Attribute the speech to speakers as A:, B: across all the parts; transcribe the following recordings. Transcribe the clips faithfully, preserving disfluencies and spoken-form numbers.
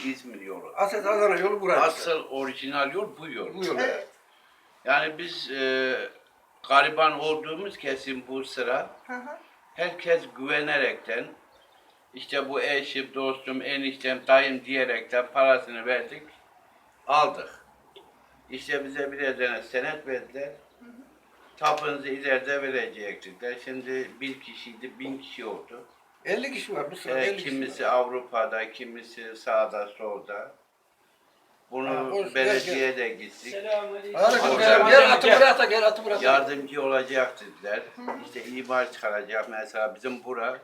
A: İzmir yolu.
B: Asıl Adana yolu burası.
A: Asıl orijinal yol bu yol.
B: Bu yol.
C: Evet.
A: Yani biz e, gariban olduğumuz kesim bu sıra
C: Hı hı.
A: herkes güvenerekten işte bu eşim, dostum, eniştem, dayım diyerekten parasını verdik, aldık. İşte bize birer tane senet verdiler. Tapınızı ileride verecekler. Şimdi bir kişiydi, bin kişi oldu.
B: elli kişi var bu sırada.
A: Ee,
B: elli kişi
A: kimisi
B: var.
A: Avrupa'da, kimisi sağda, solda. Bunu
B: Ha, hoş,
A: belediyeye
B: gel,
A: de gittik.
B: Hadi gel, gel atı bırak da gel atı bırak.
A: Yardımcı olacak dediler. İşte imar çıkaracak. Mesela bizim bura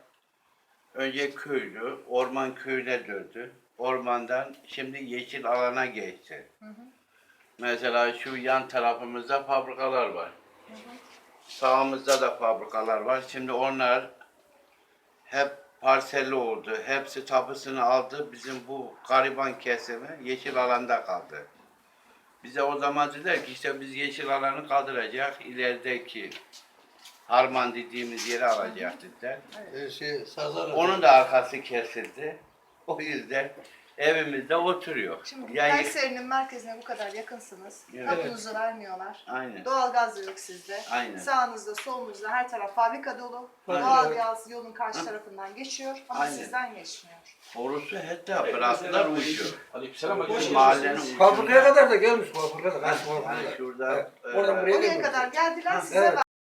A: önce köylü, orman köyüne döndü. Ormandan şimdi yeşil alana geçti.
C: Hı hı.
A: Mesela şu yan tarafımızda fabrikalar var. Hı hı. Sağımızda da fabrikalar var. Şimdi onlar hep parselli oldu. Hepsi tapısını aldı. Bizim bu gariban kesimi yeşil alanda kaldı. Bize o zaman dediler ki işte biz yeşil alanı kaldıracak. İlerideki harman dediğimiz yeri alacak dediler.
B: Ee, şey, Sazan
A: Onun da arkası kesildi. O yüzden evimizde oturuyor.
C: Şimdi
A: Yani
C: Kayseri'nin merkezine bu kadar yakınsınız.
A: Evet.
C: Tapunuzu vermiyorlar.
A: aynen.
C: Doğalgaz da yok sizde.
A: Aynen.
C: Sağınızda, solunuzda her taraf fabrika dolu.
B: Aynen.
C: Doğalgaz yolun karşı
A: Ha.
C: tarafından geçiyor ama
A: Aynen.
C: sizden geçmiyor.
A: Borusu hatta bıraktılar uçuyor.
D: Aleykümselam.
A: Bu mahallenin ucunda.
B: Fabrikaya kadar da gelmiş fabrikaya da. Kaç
A: Yani
B: fabrikaya.
A: şurada
B: Evet.
A: e,
B: Oradan buraya
C: Oraya
B: gelmiş.
C: kadar geldiler size
B: evet.
C: ver.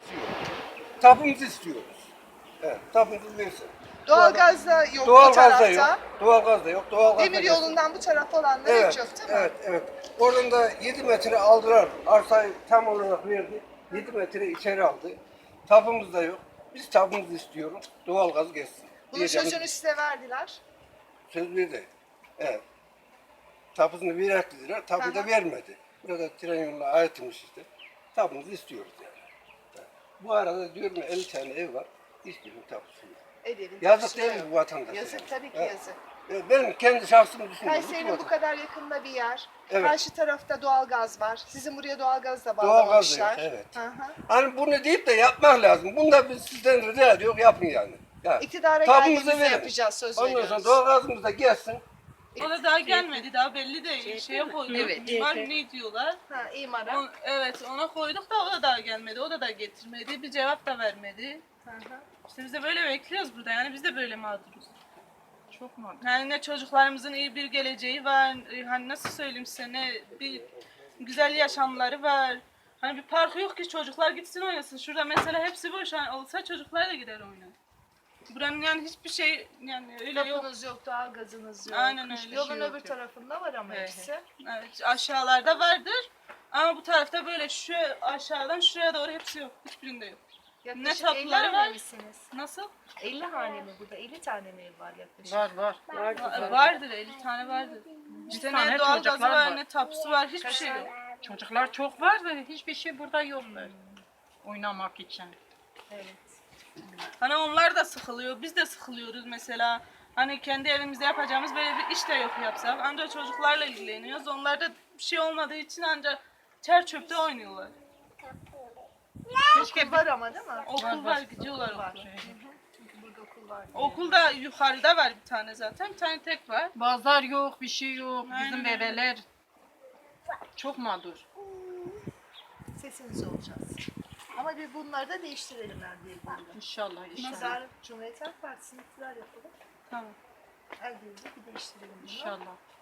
B: Tapımızı istiyoruz. Evet, tapımızı versin.
C: Doğalgaz da yok bu
B: Doğalgaz da
C: tarafta.
B: yok. Doğalgaz da yok. Doğalgaz da
C: Demir
B: yok.
C: yolundan bu tarafa olanlar
B: Evet,
C: hiç yok değil mi?
B: evet, evet. Oradan da yedi metre aldılar. Arsayı tam olarak verdi. yedi metre içeri aldı. Tapımız da yok. Biz tapımızı istiyoruz. Doğalgaz geçsin.
C: Bunun
B: Diyeceğimiz
C: sözünü size verdiler.
B: söz verdi. Evet. Tapısını verir dediler. Tapıyı da
C: Aha.
B: vermedi. Burada tren yoluna aitmiş işte. Tapımızı istiyoruz yani. Evet. Bu arada diyorum ya elli tane ev var. Hiçbirinin tapısı yok.
C: Evlerin
B: Yazık
C: tapusu
B: değil mi
C: yok.
B: bu vatandaşa?
C: Yazık tabii ki
B: Evet.
C: yazık.
B: Evet, benim kendi şahsımı düşünüyorum.
C: Kayseri'nin bu kadar yakında bir yer.
B: Evet.
C: Karşı tarafta doğalgaz var. Sizin buraya doğalgaz da
B: Doğalgaz da yok,
C: bağlamışlar.
B: evet.
C: Hı hı.
B: Hani bunu deyip de yapmak lazım. Bunu da biz sizden rica ediyoruz, yapın yani. Ya,
C: İktidara
B: tapımızı
C: geldiğimizde
B: verin.
C: yapacağız, söz
B: Ondan
C: veriyoruz.
B: sonra doğalgazımız da gelsin.
E: O da daha gelmedi, daha belli değil. Şeye koyduk,
F: Evet,
E: var
F: evet.
E: ne diyorlar.
C: Ha, imara.
E: On, evet, ona koyduk da o da daha gelmedi, o da daha getirmedi, bir cevap da vermedi.
C: Hı hı.
E: İşte biz de böyle bekliyoruz burada, yani biz de böyle mağduruz.
F: Çok mağdur.
E: Yani ne çocuklarımızın iyi bir geleceği var, hani nasıl söyleyeyim size, ne bir güzel yaşamları var. Hani bir parkı yok ki çocuklar gitsin oynasın. Şurada mesela hepsi boş, hani olsa çocuklar da gider oynar. Buranın yani hiçbir şey yani öyle yok.
C: Tapunuz yok, doğalgazınız yok.
E: Aynen öyle.
C: Yolun
E: Hiçbir şey yok,
C: öbür
E: yok.
C: tarafında var ama
E: He, he.
C: hepsi.
E: Evet, aşağılarda vardır. Ama bu tarafta böyle şu aşağıdan şuraya doğru hepsi yok. Hiçbirinde yok.
C: Yaklaşık
E: Ne tapuları
C: elli
E: var?
C: hane misiniz?
E: Nasıl?
C: elli hane mi burada? elli tane mi ev var yaklaşık?
F: Var var.
E: Va- Vardır, elli tane vardır. İşte
F: tane
E: ne doğalgazı
F: çocuklar
E: var,
F: var.
E: ne tapusu var, hiçbir
C: Kaç
E: şey
C: tane?
E: yok.
F: Çocuklar çok var da hiçbir şey burada yok. Oynamak için.
C: Evet.
E: Hani onlar da sıkılıyor, biz de sıkılıyoruz mesela. Hani kendi evimizde yapacağımız böyle bir iş de yok yapsak. Ancak çocuklarla ilgileniyoruz. Onlar da bir şey olmadığı için ancak çer çöpte oynuyorlar.
C: Okul var ama değil mi?
E: Okul
F: Var,
E: var,
F: var.
E: gidiyorlar
C: Var.
E: okula.
C: Çünkü burada okul var.
E: Okulda yukarıda var bir tane zaten, bir tane tek var.
F: Bazar yok, bir şey yok.
E: Aynen
F: Bizim
E: öyle.
F: bebeler çok mağdur.
C: Sesiniz olacağız. Ama bir bunları da değiştirelim ben diye burada.
F: İnşallah, inşallah.
C: Pazar Cumhuriyet Halk Partisi'ni iktidar yapalım.
E: Tamam.
C: Her gün bir değiştirelim bunu.
F: İnşallah.